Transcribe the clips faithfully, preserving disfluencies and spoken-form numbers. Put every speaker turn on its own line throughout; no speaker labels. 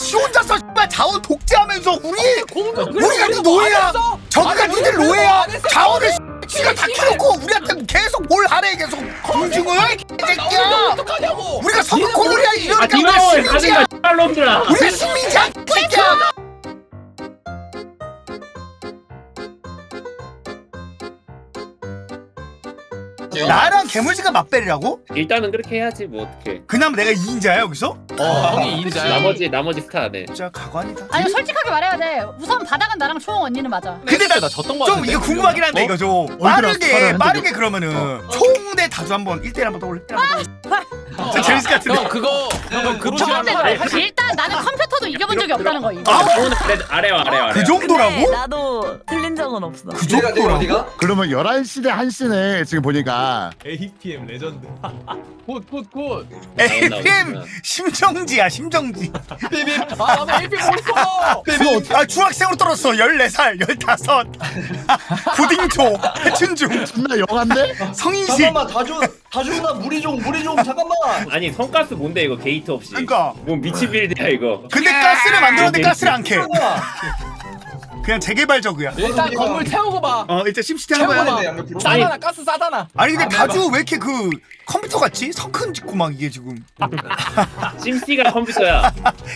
지 혼자서 씨발 자원 독재하면서 우리
공도
우리가 네 노예야. 저기가 니들 노예야. 자원을 지가 다 키놓고 우리한테 계속 뭘 하래 계속 공중을 개새끼야.
어떡하냐고.
우리가 서부 코리아 이러니까 우리가
니가
식민지야.
놈들아.
우리가 식민지야 개새끼야. 나랑 개물지가 맞벨이라고?
일단은 그렇게 해야지 뭐 어떡해.
그냥 내가 이인자야 여기서?
어, 형이 이인자야.
나머지 나머지 스타네.
진짜 가관이다.
아니 솔직하게 말해야 돼. 우선 바닥은 나랑 초홍 언니는 맞아.
근데 나
나 졌던 거
좀
같은데.
이거 궁금하긴 한데
어?
이거 좀 빠르게 빠르게 그러면은 총대 다주 한번 일 대 일 한번 떠올려. 저 재밌을 것 같은데.
형 그거 형 그거
첫
싫어하는 거
번째는
알지?
일단 나는 컴퓨터도 이겨본 적이 없다는 거 이거.
아,
오늘 아래 아래와 아래와. 아래.
그 정도라고?
근데 나도 틀린 적은 없어.
그 정도라고?
그러면 열한 시 대 한 시네 지금 보니까.
에이피엠 레전드.
굿굿굿.
에이피엠 심정지야 심정지.
아 나도 에이피엠 모르겠어.
아 중학생으로 떨었어. 열네 살 열다섯. 고딩초 해춘중
존나 영한데?
성인식.
잠깐만 다주 다주나 무리종 무리종 잠깐만.
아니 성가스 뭔데 이거 게이트 없이.
그러니까.
뭐 미친 빌드야 이거.
근데 가스를 만들었는데 가스를 안 캐.
잠깐만.
그냥 재개발적이야.
일단 건물 태우고 봐.
어 일단 심시티 한번
태우고
해야
봐.
돼.
싸다나 가스 싸다나.
아니 근데 다주 왜 이렇게 그 컴퓨터 같지? 성큰 짓고 막 이게 지금.
심씨가 컴퓨터야.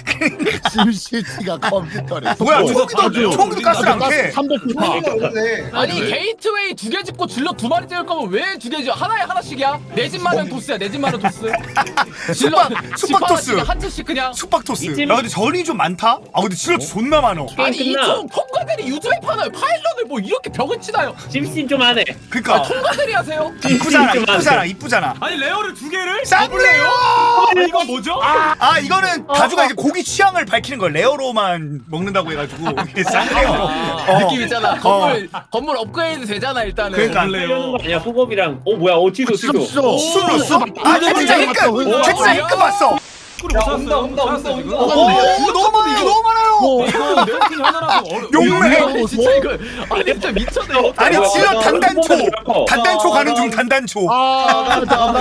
심시티가 컴퓨터래.
뭐야
어,
총기도
다주.
총기도 가스를 안 캐.
삼백 피파.
아니 게이트웨이 두 개 짓고 질러 두 마리 찌를 거면 왜 두 개 지어? 하나에 하나씩이야? 내 집만은 도스야. 내 집만은 도스. 질러
숙박- 숙박 토스.
한 채씩 그냥.
숙박토스.
이쯤-
야 근데 전이 좀 많다. 아 근데 질러 존나 많어.
아니
게임 끝나.
이총 통과들이 유튜브에 파나요? 파일럿을 뭐 이렇게 벽을 치나요?
심씨 좀 하네.
그니까
아, 통과들이 하세요?
이쁘잖아
좀
이쁘잖아
안 돼.
이쁘잖아.
아니 레어를 두 개를?
쌍레요.
아니 이거 뭐죠?
아 이거는 다주가 이제 고기 취향을 밝히는 걸 레어로만 먹는다고 해가지고 이게 쌍레요.
아, 느낌 있잖아. 건물 건물 업그레이드 되잖아 일단은.
그러니까.
하려는 거 아니야 소곱이랑. 어 뭐야 어 취소 취소.
취소.
술로 술. 아 진짜 힘끔. 진짜 힘끔 봤어.
못
야,
찾았어요.
온다, 온다,
못
온다,
찾았어요,
온다.
지금.
오 너무 많아 이거 너무 많아요.
이거 내 팀 하나라서 어려.
용맹.
아니, 진짜 이거 아니 진짜 미쳤네.
아니
뭐야,
질러
뭐야,
단단초.
뭐야.
단단초 가는 중 단단초.
아,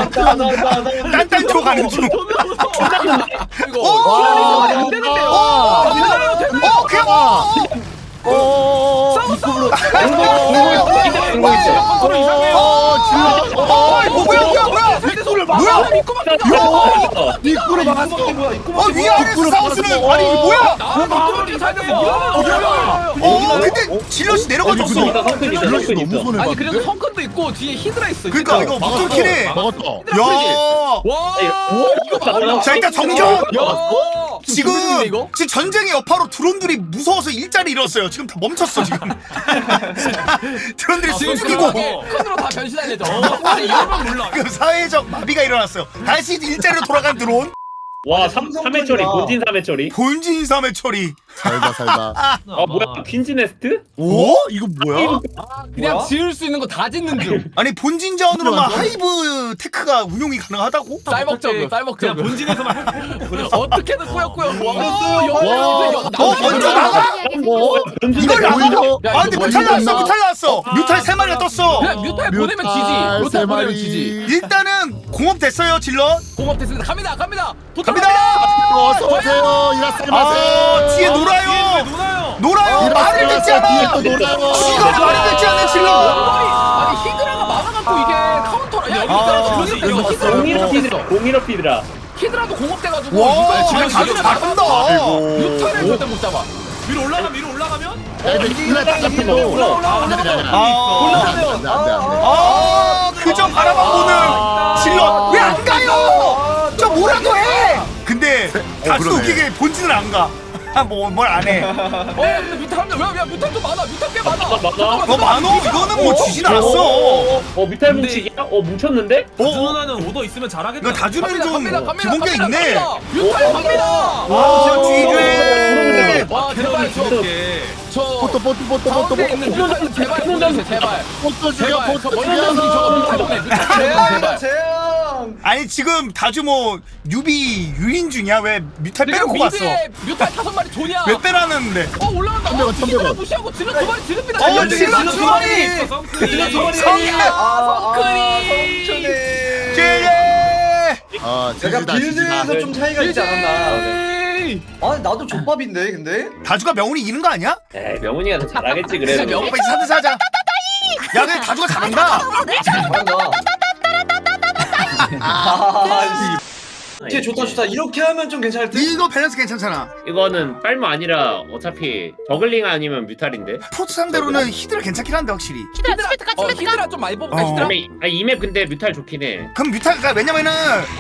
단단초 가는 중.
이거
오!
안 되는데요.
어,
안 되는데요. 되는데요.
어 그냥 어.
어.
공공 있어.
컨트롤 이상해요.
어 질러. 어 뭐야 뭐야 뭐야.
대소를
뭐야?
막아 믿고 막.
야.
입구를 막았어.
어 위에 아래에서 싸우스는 아니 이거 뭐야?
나 믿고 막게 살면서 이러면
어 근데 질럿이 내려가졌어.
성큰 성큰 있어 성큰
너무
있어.
손해
아니
봤는데?
그래서 성큰도 있고 뒤에 히드라 있어.
그러니까
히드라.
이거 무tor키네.
막았다.
야.
와 이거
자,
자 일단 정정.
야
지금
조심했는데, 이거?
지금 전쟁의 여파로 드론들이 무서워서 일자리 잃었어요. 지금 다 멈췄어 지금. 드론들이
지금
숨죽이고
큰으로 다 변신할 예정.
아니 이러면 몰라.
그 사회적 마비가 일어났어요. 다시 일자리로 돌아간 드론.
와 삼 삼회 처리 본진 삼회 처리.
본진 삼회 처리.
살다 살다.
아 뭐야 퀸즈 네스트?
오?
이거 뭐야?
그냥
뭐야?
지을 수 있는 거 다 짓는 중.
아니 본진 자원으로만 하이브 테크가 운용이 가능하다고?
쌀먹저그
그냥
쌀먹저그.
본진에서만 할
어떻게든 꾸역꾸역. 와
와.
어 먼저 나가?
뭐
이걸 나가?
오히려-
야,
아 근데
이거
뮤탈
뭐
나왔어 뮤탈 나왔어. 뮤탈 세 마리가 떴어.
그냥 뮤탈 보내면 지지.
뮤탈
뮤탈
세
보내면
마리.
지지.
일단은 공업 됐어요 질럿.
공업 됐습니다. 갑니다 갑니다.
갑니다.
어서 오세요. 이라스마세.
아 뒤에
뒤에
놀아요.
누나요.
놀아요. 말을 듣지 않아.
뒤에 또 놀아요.
지가 말을 듣지 않는 질럿.
아니 히드라가 많아갖고 이게 카운터라. 야
아,
히드라
이거
공업 됐어.
공일업
히드라
피드라 공일업 피드라.
히드라도 공업돼가지고.
와
지금
지금 다들 잘한다.
뮤탈을 절대 못 잡아.
위로 올라가면 위로 올라가면
야, 근데 이거 다 잡히고.
올라가, 올라가,
안 돼, 안 돼, 안 돼.
아,
안 돼, 안 돼, 안 돼, 안 돼.
아 그저 바라만 보는 질럿 왜 안 가요? 저 뭐라도 해. 근데 다수
그러네.
웃기게 본진을 안 가. 뭐뭘 안 해.
어 근데 뮤탈 한명 왜야 뮤탈 좀 많아. 뮤탈 꽤 많아.
많아.
너 많어? 이거는 뭐 지진 않았어.
어, 어 미탈 뭉치기야? 어 뭉쳤는데?
다주
어?
누나는 오더 있으면 잘하겠다.
이거 다주는 좀
갑니다 갑니다
기본기
갑니다,
있네.
갑니다. 뮤탈 갑니다.
아 뒤에.
와 제발 저
이렇게.
저
포토 포토 포토 포토
가운데
포토
있는 뮤탈 좀 제발 보내주세요 제발.
포토 죽여
제발 저
포토
먼저 저거
죽여.
뮤탈 보내 뮤탈 보내
재앙이다
제발.
재앙.
아니 지금 다주 뭐 유비 유인 중이야? 왜 뮤탈
지금
빼놓고 갔어?
미드에 뮤탈 다섯 마리 조냐.
왜 빼라는데?
어 올라간다.
천백원,
어
천백원.
히드라 무시하고 질러 두 마리 지릅니다.
어,
질러
질러
질러
두
두
마리.
마리.
성큰이.
성큰.
아,
성큰이.
성큰이.
제예.
아,
내가
지지다,
빌드에서
지지다.
좀 차이가 있지 않았나.
아이.
아니 나도 족밥인데 근데.
다주가 명훈이 이기는 거 아니야?
에이 명훈이가 더 잘하겠지
진짜
그래도.
명훈-
오빠 이제 사드 사자. 야 근데 다주가 잘한다.
잘한다. 아, 쟤 좋다 좋다. 이렇게 하면 좀 괜찮을 듯.
이거 밸런스 괜찮잖아.
이거는 빨모 아니라 어차피 저글링 아니면 뮤탈인데.
프로토 상대로는 히드라 괜찮긴 한데 확실히.
히드라 스페트가
어
스페트가.
히드라 좀 많이 뽑을까
어.
히드라?
이맵 근데 뮤탈 좋긴 해.
그럼 뮤타가 왜냐면은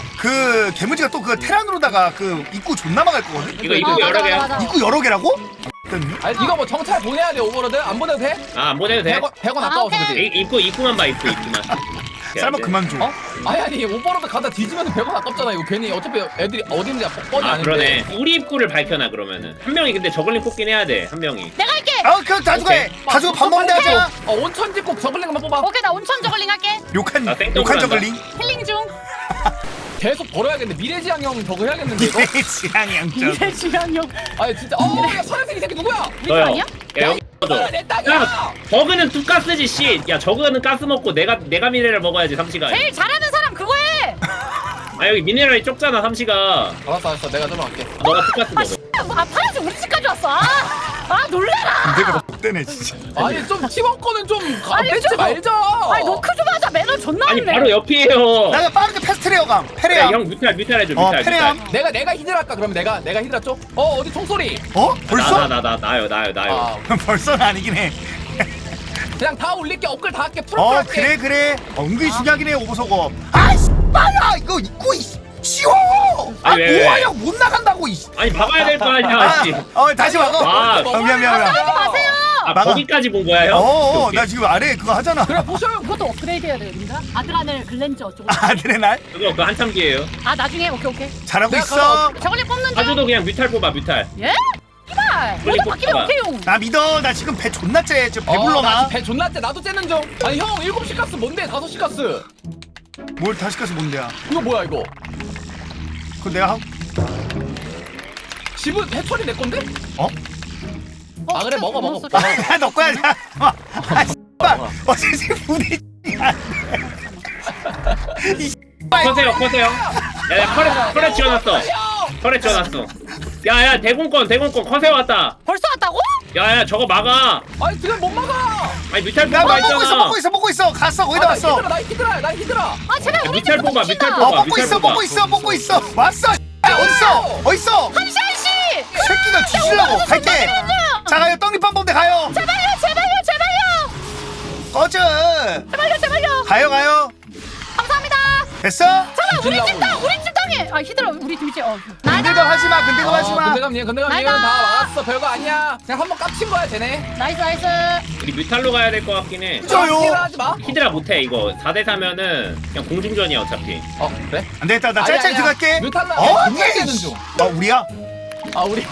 그 개무지가 또 그 테란으로다가 그 입구 존나 막을 거거든.
이거
어,
이거
맞아,
여러 개야.
맞아, 맞아.
입구 여러 개라고?
아니 이거 뭐 정찰 보내야 돼 오버로드? 안 보내도 돼?
아 안 보내도 돼.
백 원
아,
아까워서
오케이.
그지?
이- 입구 입구만 봐 입구 입구만.
쌀먹 그만 줘.
어? 아니 아니 오버로드 가다 뒤지면 백 원 아깝잖아 이거 괜히 어차피 애들이 어디 있는지 뻔히
아
아는데.
그러네. 우리 입구를 밝혀놔 그러면은. 한 명이 근데 저글링 뽑긴 해야 돼. 한 명이.
내가 할게.
아 그럼 다주가 해. 다주가 밥 먹는데 하자.
어 온천 집꼭 저글링만 뽑아.
오케이 나 온천 저글링 할게.
욕한
나 땡땡으로
욕한
한다.
저글링.
힐링 중.
계속 벌어야겠는데 미래지향형 저거 해야겠는데 이거?
지향이 양쪽.
미래 지향용.
아니 진짜 어야 서현생 이 새끼 누구야?
너요.
아니야?
야 여기 꺼줘.
아, 내 딸이야!
야 저그는 두 가스지 씨. 야 저그는 가스 먹고 내가 내가 미네랄 먹어야지 삼시가.
제일 잘하는 사람 그거 해.
아 여기 미네랄이 적잖아 삼시가.
알았어 알았어 내가 좀 할게.
너가 투가스 먹어.
아 파란색 우리 집까지 왔어. 아, 아 놀래라.
내가 못되네 진짜.
아니 좀 팀원 거는 좀
아니,
뺏지
좀-
말자.
아니 노크 좀 하자. 매너 존나
아니
없네.
바로 옆이에요.
나가 빠르게 패스트레어 감.
야,
페레암.
형 뮤탈 뮤탈 해줘
어
뮤탈
페레암.
뮤탈.
내가 내가 히드라 할까 그러면 내가 내가 히드라 쪽? 어 어디 총소리?
어? 벌써?
나나 나 나 나요 나요 나요.
아
벌써는 아니긴 해.
그냥 다 올릴게 업글 다 할게 프로
어
할게.
그래 그래. 은근히 중요하긴 해 오버소거. 아이씨 빨라 이거 입구 이 쉬워. 아
아니, 왜, 왜?
뭐하냐 못 나간다고 이.
아니 막아야 될 거 아니야
아,
씨.
어 다시 막어.
아,
어, 미안 미안 미안.
하지 마세요.
아
막아.
거기까지 본 거야 형?
어어
오케이,
나 지금 아래 그거 하잖아.
그래 보셔요.
그것도 업그레이드 해야 되는가? 아드라넬 글렌즈 어쩌고.
아드레날
오케이. 그거 그 한참 기회예요.
아 나중에 오케이 오케이.
잘하고
내가
있어.
저글링 뽑는 중.
아주도 그냥 뮤탈 뽑아 뮤탈.
예? 이발.
빨리
모두 바뀌면
뽑아봐.
오케이용.
나 믿어. 나 지금 배 존나 째. 지금
어,
배불러
나
나.
배 존나 째 나도 째는 중. 아니 형 일곱 시 가스 뭔데 다섯 시 가스?
뭘 다시 가서 뭔데야?
이거 뭐야 이거?
그거 내가 하고.
집은 해철이 내 건데?
어?
어,
아, 그래,
진짜
먹어, 먹어.
소리.
아, 너 거야. 자. 아, 씨발. 어제 부대.
커세요 커세요. 야야 컬에 컬에 지어놨어. 컬에 지어놨어. 야야 대공권 대공권 커세요 왔다.
벌써 왔다고?
야야 저거 막아.
아니 지금 못 막아.
아니 뮤탈
나
뽑아
먹고 있어,
있잖아.
먹고 있어, 먹고 있어. 갔어, 거기다
아, 나
왔어.
히드라 나 히드라 나 히드라.
아 제발 우리
밑에
좀
뽑아,
봅시다.
밑에
어,
뽑아.
먹고 있어, 먹고 있어, 먹고 있어. 왔어. 야, 어딨어? 어딨어?
한시 한시.
새끼가 뒤질라고. 갈게. 자, 가요. 떡잎한 범대 가요.
제발요 제발요 제발요.
꺼져.
제발요 제발요.
가요, 가요.
감사합니다.
됐어?
잠깐 우리
뒤질라고
집 땅 우리 집 땅에. 아 히드라 우리 집이지. 어.
근데도 하지 마, 근데도 하지 마.
근데감님 근데감님 다
나이다.
막았어 별거 아니야. 그냥 한번 깝친 거야 쟤네.
나이스 나이스.
우리 뮤탈로 가야 될 것 같긴 해.
저요.
히드라 하지 마.
히드라 못해 이거 사 대 사면은 그냥 공중전이야 어차피.
어 그래?
안 되겠다. 나
아니,
짤짤
아니야.
들어갈게.
뮤탈라
어,
존나
오케이.
째는 중.
어, 우리야?
아 우리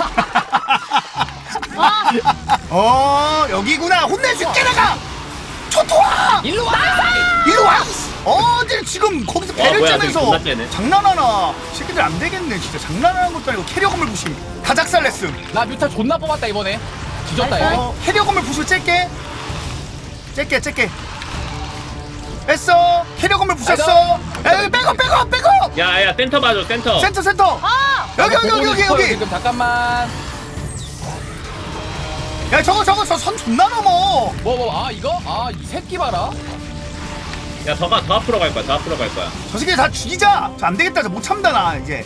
아
어, 여기구나. 혼내줄게, 내가. 초토화!
일로 와.
이리 와! 이씨. 어딜 지금 거기서 배를
뭐야,
째면서
되게 존나 째네.
장난하나? 새끼들 안 되겠네. 진짜 장난하는 것도 아니고 캐리어 건물 부심. 다작살 냈음.
나 뮤탈 존나 뽑았다 이번에. 뒤졌다
나이스.
이거.
어, 캐리어 건물 부수 째게. 째게, 째게. 뺐어. 캐리어 건물 부셨어. 에이, 백업, 백업, 백업.
야야 센터 봐줘 센터.
센터, 센터.
아.
여기, 여기,
보고
여기, 여기,
싶어요,
여기.
지금 잠깐만.
야, 저거, 저거, 저 선 존나 넘어.
뭐 뭐 아 이거? 아 이 새끼 봐라.
야 더가 더 앞으로 갈 거야 더 앞으로 갈 거야.
저 새끼 다 죽이자. 저 안 되겠다. 저 못 참다 나 이제.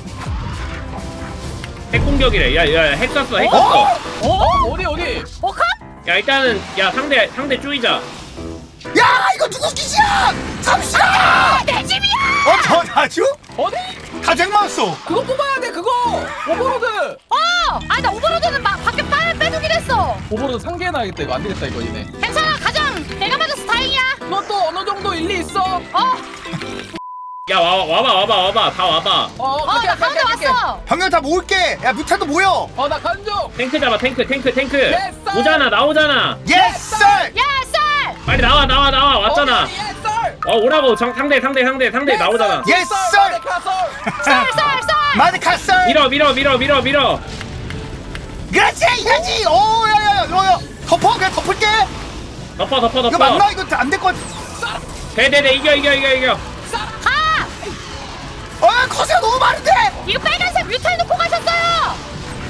핵 공격이래. 야야 핵 쐈어 핵
어?
쐈어.
어? 어디 어디?
어 컵?
야 일단은 야 상대 상대 쪼이자.
야, 이거 누구 기지야? 잠시만.
내 집이야.
어, 저 다주?
어디?
다쟁 맞았어.
그거 뽑아야 돼 그거. 오버로드.
어. 아나 오버로드는 막 밖에 빨 빼두긴 했어.
오버로드 상계해놔야겠다 이거 안 되겠다 이거 이네.
괜찮아 가장 내가 맞아서 다행이야.
이것도 어느 정도 일리 있어.
어.
야 와, 와봐 와봐 와봐 다 와봐.
어,
어 나 가운데 왔어.
형님 다 모을게. 야, 뮤타도 모여.
어, 나 간중.
탱크 잡아 탱크 탱크 탱크.
Yes, sir.
오잖아 나오잖아.
예스 썰.
예스.
빨리 나와 나와 나와 왔잖아.
어, 예, 썰.
어 오라고 정, 상대 상대 상대 상대 나오잖아.
예스 썰.
쌀쌀쌀.
마드카 썰.
밀어 밀어 밀어 밀어 밀어.
그렇지 이거지. 오, 야야야, 너야. 덮어, 그냥 덮을게.
덮어 덮어
이거
덮어.
맞나? 이거 안 될 것 같아.
네네네 이겨 이겨 이겨 이겨.
가.
어, 커세가 너무 많은데.
이거 빨간색 뮤탈 놓고 가셨어요.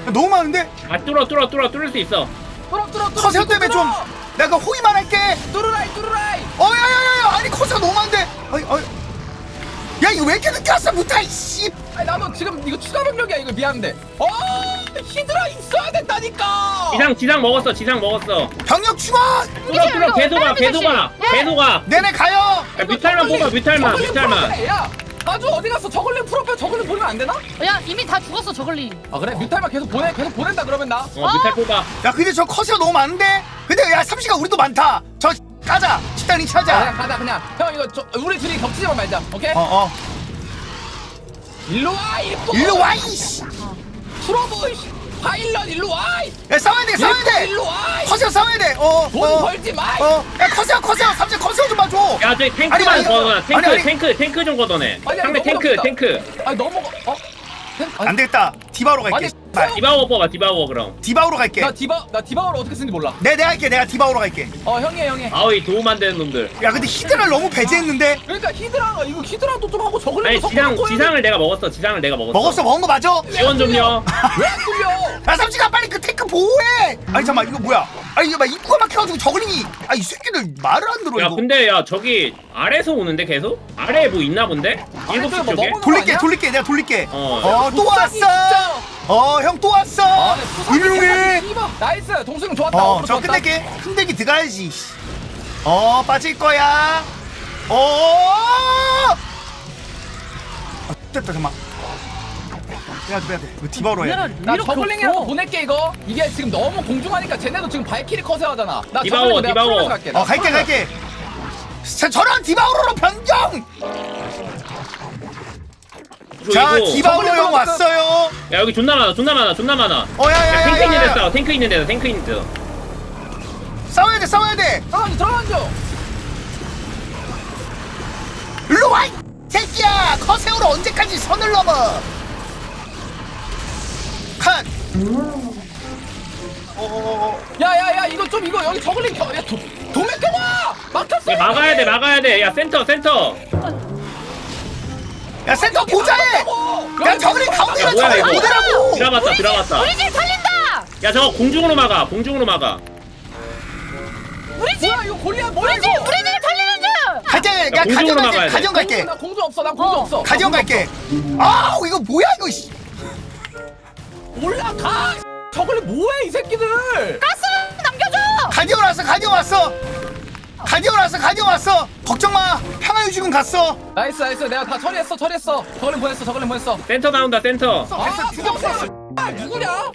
너무 많은데?
아 뚫어 뚫어 뚫어 뚫을 수 있어.
뚫어 뚫어 뚫어.
커세어 때문에 좀 내가 호의만 할게.
뚫으라이 뚫으라이.
어, 야, 야, 야, 야, 아니 커세어 너무 많은데. 어이, 어이. 야, 이거 왜 이렇게 늦게 왔어, 무타이 씨.
아니 나도 지금 이거 추가 병력이야 이거 미안한데. 어 히드라 있어야 된다니까.
지상 지상 먹었어 지상 먹었어.
병력 충원.
뚫어 뚫어 계속 가 계속 가 계속 가.
내내 가요.
야, 뮤탈만 뽑아 뮤탈만
저글링
뮤탈만.
풀어빼. 야 아주 어디 갔어? 저글링 풀어빼. 저글링 보내면 안 되나?
야 이미 다 죽었어 저글링.
아 그래? 뮤탈만 계속 보내. 계속 보낸다 그러면 나.
어 뮤탈 뽑아.
야, 근데 저 커세어 너무 많은데. 근데 야, 삼시가 우리도 많다. 저 가자. 식당
아,
찾아.
그냥 가자 그냥. 형 이거 저 우리 둘이 겹치지만 말자. 오케이?
어, 어.
일로 와 일로.
일로 와, 이씨.
트러블. 파일럿 일로 와.
야, 싸워야 돼, 싸워야 돼.
일로 와.
커세어 싸워야 돼. 어,
돈
어.
벌지 마.
어, 야, 커세어, 커세어, 삼시 커세어 좀 봐줘.
야 저기
아니,
탱크만
아니,
걷어놔.
아니,
탱크
아니.
탱크 탱크 좀 걷어내.
아니, 아니,
상대
너무
탱크
어렵다.
탱크.
아니 넘어가. 어? 아니,
안 되겠다. 디바우로 갈게.
아니,
씨발.
디바워 뽑아 디바워 그럼.
디바우로 갈게.
나 디바 나 디바워를 어떻게 쓰는지 몰라.
내 내가 할게. 내가 디바우로 갈게.
어 형이야 형이.
아우이 도움 안 되는 놈들.
야, 근데 히드라를 너무 배제했는데.
그러니까 히드라가 이거 히드라도 좀 하고 저글링도
아니 지상
섞어놓고
지상을 내가 먹었어 지상을 내가 먹었어.
먹었어, 먹은 거 맞아?
지원 좀요.
왜안 뚫려?
야, 삼시가 빨리 그 탱크 보호해. 아니 잠깐만, 이거 뭐야? 아니 이거 막 입구가 막혀가지고 저글링이. 아, 이 새끼들 말을 안 들어
야
이거.
근데 야 저기 아래에서 오는데 계속? 아래에 뭐 있나 본데? 일곱 시
아래쪽에 뭐
쪽에?
먹어놓은
돌릴게,
아니야?
돌릴게. 내가 돌릴게.
어.
어, 또
복사기
왔어.
진짜.
어, 형 또 왔어.
아, 네, 부산이
훌륭해.
씨발. 나이스 동승 좋았다.
어,
어그로
저
좋았다.
끝낼게. 흔들기 들어가야지. 어, 빠질 거야. 어. 아, 됐다, 잠깐만. 빼야 돼, 빼야 돼. 이거 디바우로 해야 돼.
나 저글링이라도 보낼게 이거. 이게 지금 너무 공중하니까 쟤네도 지금 발키리 커세 하잖아. 나
디바워,
저글링 내가
디바워.
풀면서 갈게. 나
어, 갈게,
풀면서
갈게. 자, 저런 디바우로로 변경. 자,
그리고-
디바우로 형
저글링
왔어요.
야 여기 존나 많아 존나 많아 존나 많아.
어, 야, 야,
야, 탱크
야,
있는
야,
데
야.
싸워 탱크 있는 데다 탱크 있는 데다.
싸워야 돼, 싸워야 돼.
들어가줘 들어가줘.
일로 와, 이 새끼야. 커세오로 언제까지 선을 넘어? 칸. 어,
야야야 이거 좀 이거 여기 저글링 겨. 야 도, 도매 껴봐. 막혔어.
야 막아야 돼 막아야 돼. 야 센터 센터.
야, 센터 보자해. 야, 저글링 가운데가
야, 뭐야,
저글링
이거.
보더라고.
들어갔다 들어갔다.
우리 집 살린다.
야 저거 공중으로 막아 공중으로 막아.
우리 집
뭐야 이거 골리앗 뭐야
우리 집
이거.
우리 집 살리는 중.
가자, 야,
공중으로
가정
막아야
갈게,
돼.
가정 갈게.
나 공주 없어. 나 공주
어.
없어.
가정 갈게. 아, 이거 뭐야 이거? 씨.
올라가. 저글링 뭐해 이 새끼들.
가스 남겨줘.
가디언 왔어, 가디언 왔어. 가디언 왔어, 가디언 왔어. 걱정 마. 평화유지군 갔어.
나이스 나이스 내가 다 처리했어 처리했어. 저글링 보냈어 저글링 보냈어.
센터 나온다 센터.
아 죽였어. 아 누구냐?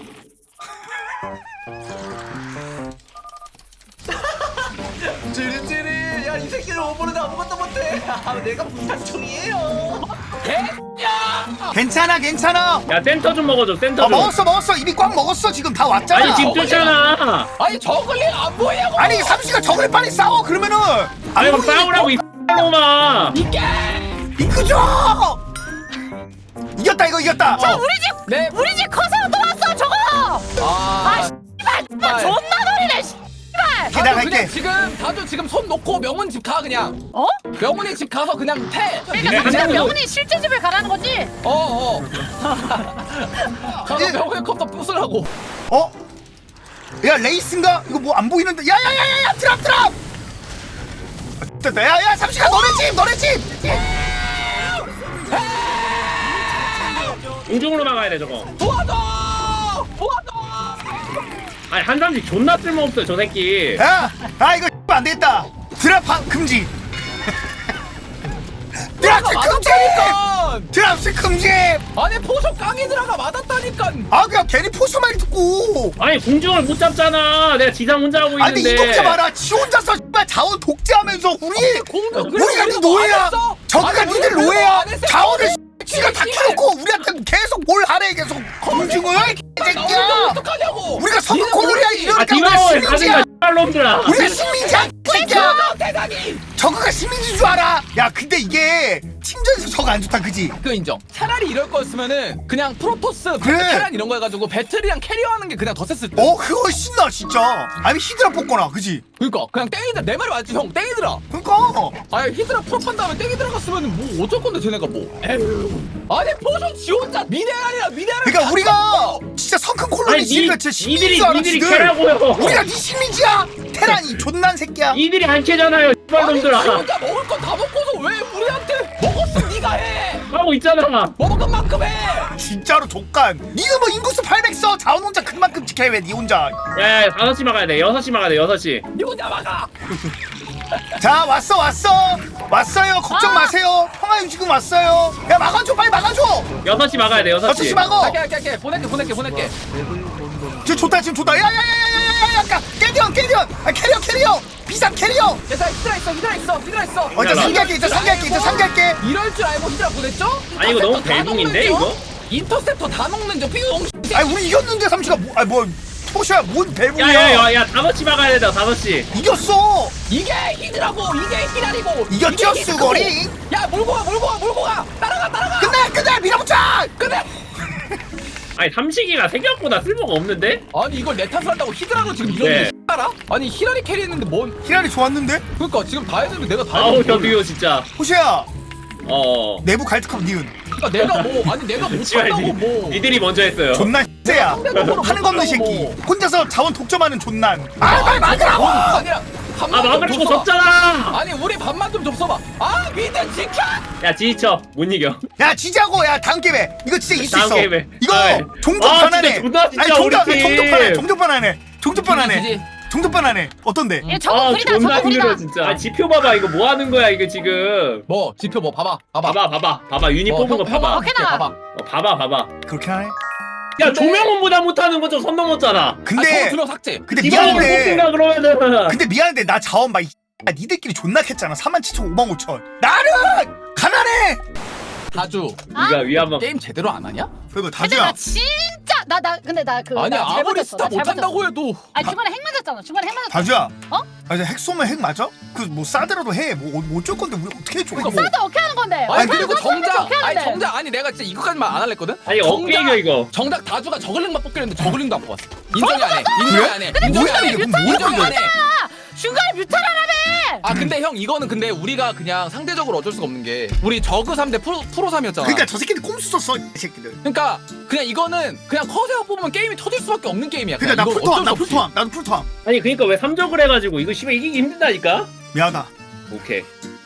찌릿찌릿. 야, 이 새끼를 오버는 아무것도 못해. 아, 내가 부탁충이에요.
개야.
괜찮아, 괜찮아.
야 센터 좀 먹어줘 센터
어,
좀.
먹었어, 먹었어. 입이 꽉 먹었어. 지금 다 왔잖아.
아니 지금 쫓잖아.
아니 저글링 안 보이냐고.
아니, 삼시가 저걸 빨리 싸워. 그러면은
아니 그럼
보이니?
싸우라고 이 놈아.
이게.
이끄죠. 이겼다, 이거 이겼다.
자
어.
우리 집
네.
우리 집 커세어 또 왔어 저거.
아.
씨발 나 존나 노리네 씨발.
내가
다들
갈게.
그냥 지금 다들 지금 손 놓고 명훈 집 가 그냥.
어?
명훈이 집 가서 그냥 패.
그러니까
네,
지금
한국도-
명훈이 실제 집에 가라는 거지?
어 어. 가서 명훈의 컵도 부수라고.
어? 야, 레이스인가? 이거 뭐 안 보이는데. 야, 야, 야, 야, 야, 트랍, 트랍. 됐다. 야, 야, 삼시가 너네 집, 너네 집.
공중으로 막아야 돼 저거.
도와줘. 도와줘.
아니 한 사람씩 존나 쓸모없어 저 새끼.
야, 아 이거 안 되겠다. 드랍 파- 금지. 드랍 금지.
맞았다니까.
드랍 금지.
아니 포쇼 깡이들아가 맞았다니까.
아, 그냥 괜히 포수만 듣고.
아니 공중을 못 잡잖아. 내가 지상 혼자 하고
아니,
있는데.
근데 이독자 봐라. 지 혼자서 씨발 자원 독재하면서 우리
공주
우리가 네 노예야. 저기가 니들 노예야. 자원을 지가 다 키놓고 우리한테 계속 뭘 하래 계속 검증을. 이 새끼야.
어떡하냐고.
우리가 선거 콜로리아
아
이러니까 우리가
디바워에
식민지야.
가든가 놈들아.
우리가 식민지야. 이 새끼야.
대단히.
저그가 시민인 줄 알아. 야 근데 이게 팀전에서 저거 안 좋다 그지?
그 인정. 차라리 이럴 거였으면은 그냥 프로토스,
그래.
테란 이런 거 해가지고 배틀이랑 캐리어하는 게 그냥 더 셌을 때.
어 그거 신나 진짜. 아니 히드라 뽑거나 그지?
그러니까 그냥 땡이들 내 말이 맞지 형. 땡이들아.
그러니까
아니 히드라 풀업한 다음에 땡이 들어갔으면 뭐 어쩔 건데 쟤네가 뭐. 에휴. 아니 포션 지 혼자 미네랄이라 미네랄.
그러니까 우리가 진짜 성큰 콜로니
아니
시리가
니,
진짜 시민인
니들이
줄 알아
니들이
지들.
캐라고요.
우리가 네 시민지야. 테란이 존난 새끼야.
니들이 안 캐잖아요.
아니 지
놈들아.
혼자 먹을 건 다 먹고서 왜 우리한테 먹었으면 네가 해.
하고 있잖아.
먹은 만큼 해.
진짜로 족간. 니가 뭐 인구수 팔백 써 자원 혼자 그만큼 지켜 왜니 혼자.
야, 야 다섯 시 막아야 돼. 여섯 시 막아야 돼. 여섯 시.
네 혼자 막아.
자 왔어 왔어 왔어요. 걱정
아.
마세요. 평화 유지군 왔어요. 야 막아줘 빨리 막아줘.
여섯 시 막아야 돼. 여섯
여섯
시.
시 막어.
할게 할게 할게 보낼게 보낼게 보낼게.
지금 좋다 지금 좋다. 야야야야야야야. 캐리어 캐리어. 아 캐리어 캐리어. 비상 캐리어.
얘들아 히드라 있어 히드라 있어 히드라 있어.
어 이제 상기할게 이제 상기할게 이제 상기할게.
이럴 줄 알고 히드라 보냈죠?
아니, 이거 너무
인터셉터 다
벨붕인데,
먹는 중?
이거?
인터셉터 다 먹는 중 피우홍
아니 우리 이겼는데 삼시가 뭐 아니 뭐 토시야 뭔 벨붕이야.
야야야야 다섯 시 막아야 된다. 다섯 시.
이겼어.
이게 히드라고 이게 히드라리고
이겼죠,
이게 히드라고.
수고리?
야 몰고 가 몰고 가 몰고 가 따라가 따라가
끝내 끝내 밀어붙여.
끝내.
아니 삼식이가 생각보다 쓸모가 없는데?
아니 이걸 내 탓을 한다고 히드라로 지금 이러는
네.
알아? 아니 히라리 캐리했는데 뭔
히라리 좋았는데?
그러니까 지금 다 해주면 내가 다
아우
해주면
저 듀오 진짜.
호시야
어.
내부 갈트컵 니은
그러니까 내가 뭐 아니 내가 못한다고 뭐
니들이 먼저 했어요.
존나 X야
상대적으로
하는 거 없는 새끼
뭐.
혼자서 자원 독점하는 존난. 아 빨리 막으라고.
아니야
아
밥만 좀
막으라고
줬어봐.
졌잖아.
아니 우리 밥만 좀 줬어봐. 아 미드 지켜.
야 지쳐 못 이겨.
야 지자고 야 다음 게임에 이거 진짜 이길 수
다음
있어.
게임에.
이거
아,
종족
아,
변하네.
진짜 존나 진짜
아니 종족
우리 팀.
종족 변하네 종족 변하네 종족 변하네
지지.
종족 변하네 어떤데?
얘 저거
아
구리다
존나
저거
힘들어
구리다.
진짜. 아 지표 봐봐 이거 뭐 하는 거야 이거 지금.
뭐 지표 뭐 봐봐 봐봐
봐봐 봐봐 봐봐 유니 뽑은 거 봐봐.
오케이, 나.
봐봐.
어, 봐봐 봐봐.
그렇게 하네.
야
근데-
조명원보다 못하는 거 좀 선 넘었잖아.
아,
근데
두명 삭제.
근데
이번에
미안한데
뽑힌다 그러면은.
근데 미안한데 나 자원 봐. 이 야, 니들끼리 존나 캤잖아. 사만 칠천 오만 오천. 나는 가난해.
다주
네가 위한번.
게임 제대로 안 하냐?
그리고
근데
다주야.
나 진짜 나 나 근데 나 그
아니
나
아무리
잘못했어,
스타
나 잘못했어.
못한다고 해도
아니 중간에 핵 맞았잖아. 중간에 핵 맞았잖아.
다주야.
어?
아 이제 핵 쏘면 핵 맞아? 그 뭐 싸더라도 해. 뭐 어쩔 건데 우리 어떻게 해줘?
그러니까
뭐.
싸도 어떻게 하는 건데?
아니 그리고
싸도
정작
어떻게 하는데?
아니 정작 아니 내가 진짜 이거까지만 안 할랬거든.
아니 어깨 이겨 이거.
정작 다주가 저글링만 뽑기랬는데 저글링도 안 뽑았어. 인정이 안 해. 인정이 안 해. 인정이
뭐야
안 해.
이게 뭔
인정이 안 해.
중간에 뮤탈하라며.
아 근데 형 이거는 근데 우리가 그냥 상대적으로 어쩔 수가 없는 게 우리 저그 삼 대 프로 프로 삼이었잖아.
그러니까 저 새끼들 꼼수 썼어 이 새끼들.
그러니까 그냥 이거는 그냥 커세어 뽑으면 게임이 터질 수밖에 없는 게임이야.
그러니까 나
이거
풀토함
어쩔
나
수 없이.
풀토함 나도 풀토함.
아니 그니까 왜 삼적을 해가지고 이거 씨발 이기기 힘들다니까.
미안하다.
오케이.